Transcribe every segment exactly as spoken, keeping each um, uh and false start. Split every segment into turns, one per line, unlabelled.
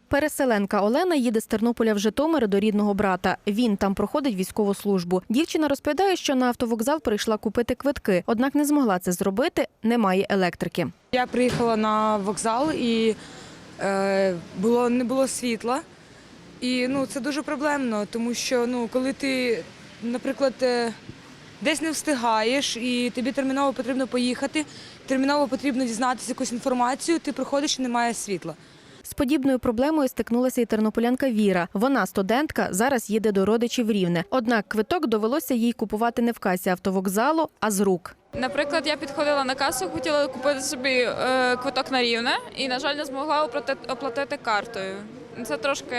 Переселенка Олена їде з Тернополя в Житомир до рідного брата. Він там проходить військову службу. Дівчина розповідає, що на автовокзал прийшла купити квитки, однак не змогла це зробити, немає електрики.
Я приїхала на вокзал і е, було, не було світла. І ну, це дуже проблемно, тому що ну, коли ти, наприклад, е, десь не встигаєш і тобі терміново потрібно поїхати, терміново потрібно дізнатися якусь інформацію, ти приходиш і немає світла.
З подібною проблемою стикнулася і тернополянка Віра. Вона студентка, зараз їде до родичів в Рівне. Однак квиток довелося їй купувати не в касі автовокзалу, а з рук.
Наприклад, я підходила на касу, хотіла купити собі е, квиток на Рівне і, на жаль, не змогла оплатити, оплатити картою. Це трошки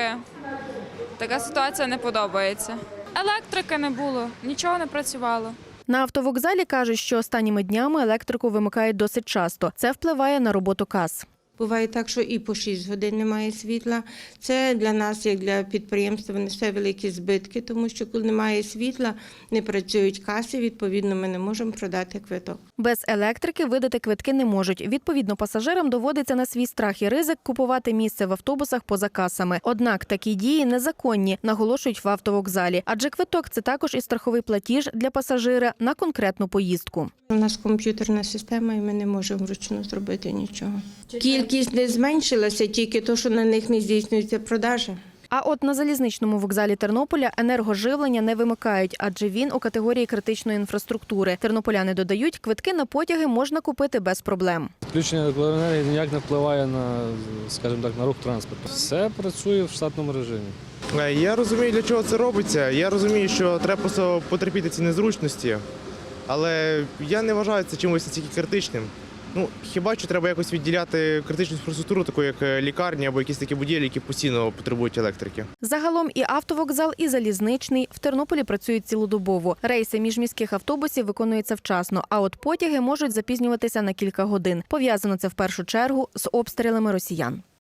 така ситуація не подобається. Електрики не було, нічого не працювало.
На автовокзалі кажуть, що останніми днями електрику вимикають досить часто. Це впливає на роботу кас.
Буває так, що і по шість годин немає світла. Це для нас, як для підприємства, несе великі збитки, тому що коли немає світла, не працюють каси, відповідно, ми не можемо продати квиток.
Без електрики видати квитки не можуть. Відповідно, пасажирам доводиться на свій страх і ризик купувати місце в автобусах поза касами. Однак такі дії незаконні, наголошують в автовокзалі. Адже квиток – це також і страховий платіж для пасажира на конкретну поїздку.
У нас комп'ютерна система, і ми не можемо вручну зробити нічого. Кількість не зменшилася, тільки то, що на них не здійснюється продажа.
А от на залізничному вокзалі Тернополя енергоживлення не вимикають, адже він у категорії критичної інфраструктури. Тернополяни додають, квитки на потяги можна купити без проблем.
Включення електроенергії ніяк не впливає на, скажімо так, на рух транспорту. Все працює в штатному режимі.
Я розумію, для чого це робиться. Я розумію, що треба просто потерпіти ці незручності, але я не вважаю це чимось настільки критичним. Ну, хіба що треба якось відділяти критичну інфраструктуру, таку як лікарні або якісь такі будівлі, які постійно потребують електрики.
Загалом і автовокзал, і залізничний в Тернополі працюють цілодобово. Рейси міжміських автобусів виконуються вчасно, а от потяги можуть запізнюватися на кілька годин. Пов'язано це в першу чергу з обстрілами росіян.